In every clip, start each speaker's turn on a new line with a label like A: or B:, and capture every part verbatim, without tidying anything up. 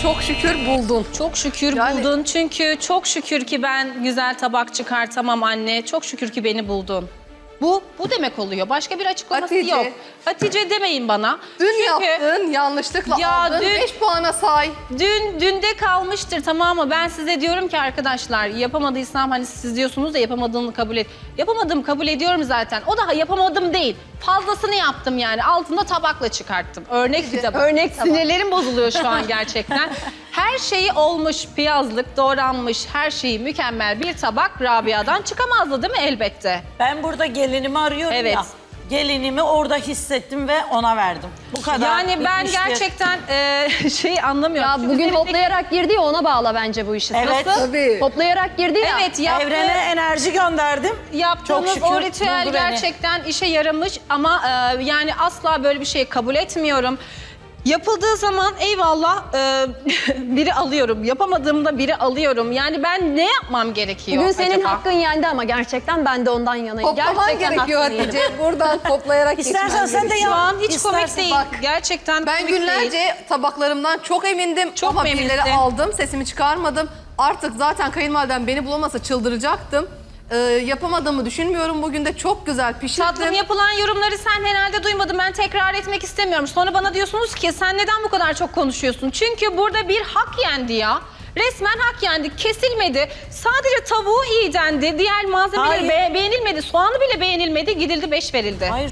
A: çok şükür buldun.
B: Çok şükür
A: Yani-
B: buldun çünkü çok şükür ki ben güzel tabak çıkartamam anne. Çok şükür ki beni buldun. Bu, bu demek oluyor. Başka bir açıklaması
A: Hatice.
B: yok. Hatice demeyin bana.
A: Dün
B: Çünkü
A: yaptığın yanlışlıkla
B: Ya
A: aldın.
B: dün-
A: beş puana say.
B: Dün, dünde kalmıştır, tamam mı? Ben size diyorum ki arkadaşlar, yapamadıysam hani siz diyorsunuz da yapamadığını kabul et. Yapamadım, kabul ediyorum zaten. O da yapamadım değil. Fazlasını yaptım yani. Altında tabakla çıkarttım. Örnek bir tabak. Örnek sinirlerim bozuluyor şu an gerçekten. Her şeyi olmuş, piyazlık, doğranmış, her şeyi mükemmel bir tabak Rabia'dan çıkamazdı değil mi elbette?
C: Ben burada gelinimi arıyorum
B: Evet.
C: ya. Gelinimi orada hissettim ve ona verdim. Bu kadar.
B: Yani ben
C: bitmiştir.
B: gerçekten e, şeyi anlamıyorum.
D: Ya
B: Çünkü
D: bugün
B: üzerindeki-
D: hoplayarak girdi ya, ona bağla bence bu işi.
C: Evet.
D: Nasıl?
A: Tabii.
D: Hoplayarak girdi ya.
B: Evet, yaptı.
C: Evrene enerji gönderdim.
B: Yaptığınız
C: Çok şükür
B: o ritüel
C: buldu beni.
B: gerçekten işe yaramış ama e, yani asla böyle bir şeyi kabul etmiyorum. Yapıldığı zaman eyvallah e, biri alıyorum. Yapamadığımda biri alıyorum. Yani ben ne yapmam gerekiyor
D: Bugün senin
B: acaba?
D: hakkın yendi ama gerçekten ben de ondan yanayım.
A: Toplaman
D: Gerçekten
A: gerekiyor
D: hakkını yedim.
A: Hatice. Buradan toplayarak
C: İstersen
A: geçmen
C: sen de
A: gerekiyor.
B: Şu
C: yap.
B: an hiç komik
C: İstersen
B: değil.
A: bak.
B: Gerçekten
A: Ben
B: komik değil.
A: günlerce tabaklarımdan çok emindim
B: Çok
A: ama
B: mu
A: birileri
B: eminsin?
A: aldım, sesimi çıkarmadım. Artık zaten kayınvalidem beni bulamasa çıldıracaktım. Ee, yapamadığımı düşünmüyorum. Bugün de çok güzel pişirdim.
B: Tatlım, yapılan yorumları sen herhalde duymadın. Ben tekrar etmek istemiyorum. Sonra bana diyorsunuz ki sen neden bu kadar çok konuşuyorsun? Çünkü burada bir hak yendi ya. Resmen hak yendi. Kesilmedi. Sadece tavuğu iyi dendi. Diğer malzemeleri
C: Hayır.
B: be- beğenilmedi. Soğanı bile beğenilmedi. Gidildi, beş verildi.
C: Hayır.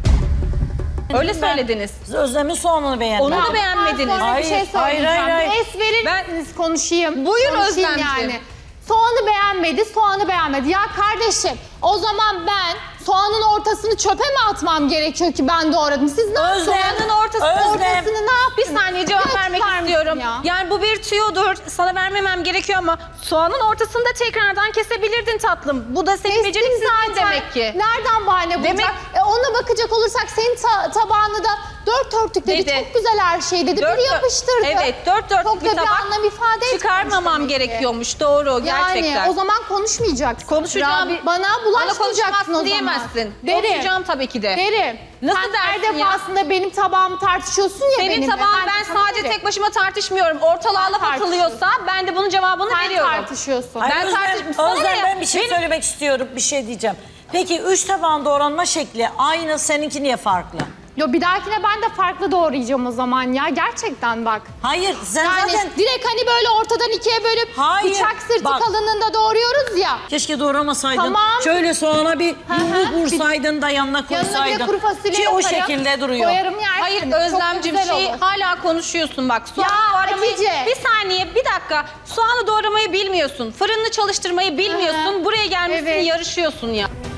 B: Öyle
C: Ben
B: söylediniz.
C: Özlem'in soğanını beğendim.
B: Onu da beğenmediniz.
E: Sonra bir şey
C: Hayır, hayır,
E: söyleyeceğim.
C: hayır, hayır.
E: Es verir
B: Ben-
E: misiniz konuşayım.
B: Buyur
E: Konuşayım
B: Özlemciğim.
E: yani. Soğanı beğenmedi, soğanı beğenmedi. Ya kardeşim, o zaman ben soğanın ortasını çöpe mi atmam gerekiyor ki ben doğradım? Siz ne yaptınız?
B: Soğanın ortası,
C: Özlem.
B: ortasını ne yap? Bir saniye cevap
E: Lütfen
B: vermek
E: misin
B: istiyorum.
E: ya?
B: Yani bu bir tüyodur. Sana vermemem gerekiyor ama soğanın ortasını da tekrardan kesebilirdin tatlım. Bu da senin
E: Kestim
B: beceriksizliğin
E: zaten.
B: demek ki.
E: Nereden bahane bulacak?
B: Demek-
E: E, ona bakacak olursak senin ta- tabağını da dört örtük dedi.
B: Dedi.
E: Çok güzel her şey dedi.
B: Dört
E: Biri
B: dört-
E: yapıştırdı.
B: Evet, dört dörtlük
E: Çok
B: bir
E: da bir
B: tabak
E: anlam ifade etmemiş
B: çıkarmamam
E: demek ki.
B: gerekiyormuş. Doğru, gerçekten.
E: Yani o zaman konuşmayacaksın.
B: Konuşacağım.
E: Rabi- bana
B: Bana
E: bulaşmayacaksın
B: konuşamazsın
E: o zaman.
B: diyemezsin.
E: Derim.
B: Konuşacağım tabii ki de.
E: Derim.
B: Nasıl
E: Sen her
B: dersin ya?
E: defasında benim tabağımı tartışıyorsun ya
B: Senin
E: benimle.
B: tabağın ben
E: sana
B: sadece
E: derim.
B: tek başıma tartışmıyorum. Ortalığa
E: Sen
B: laf atılıyorsa ben de bunun cevabını
E: Sen
B: veriyorum.
E: tartışıyorsun.
C: Hayır,
B: Ben
C: Özlem,
B: tartış- Sana
C: Özlem,
B: ne ya?
C: ben bir şey
B: Benim-
C: söylemek istiyorum. Bir şey diyeceğim. Peki üç tabağın doğranma şekli aynı, seninki niye farklı?
E: Yo, bir dahakine ben de farklı doğrayacağım o zaman ya. Gerçekten bak.
C: Hayır, sen
E: Yani
C: zaten
E: direkt hani böyle ortadan ikiye bölüp
C: Hayır,
E: bıçak sırtı
C: bak.
E: kalınlığında doğruyoruz ya.
C: keşke doğramasaydın.
E: Tamam.
C: Şöyle soğana bir
E: hı.
C: yumruk vursaydın da yanına
E: Yanına bir
C: koysaydın.
E: de kuru fasulye
C: Ki o
E: yaparım,
C: şekilde duruyor.
E: Koyarım yersin.
B: Hayır
E: Çok da
B: Özlemciğim,
E: güzel
B: şey
E: olur.
B: hala konuşuyorsun bak. Soğanı
E: Ya
B: doğramayı,
E: Hatice.
B: bir saniye, bir dakika. Soğanı doğramayı bilmiyorsun. Fırını çalıştırmayı bilmiyorsun.
E: Hı hı.
B: Buraya gelmişsin,
E: Evet.
B: yarışıyorsun ya.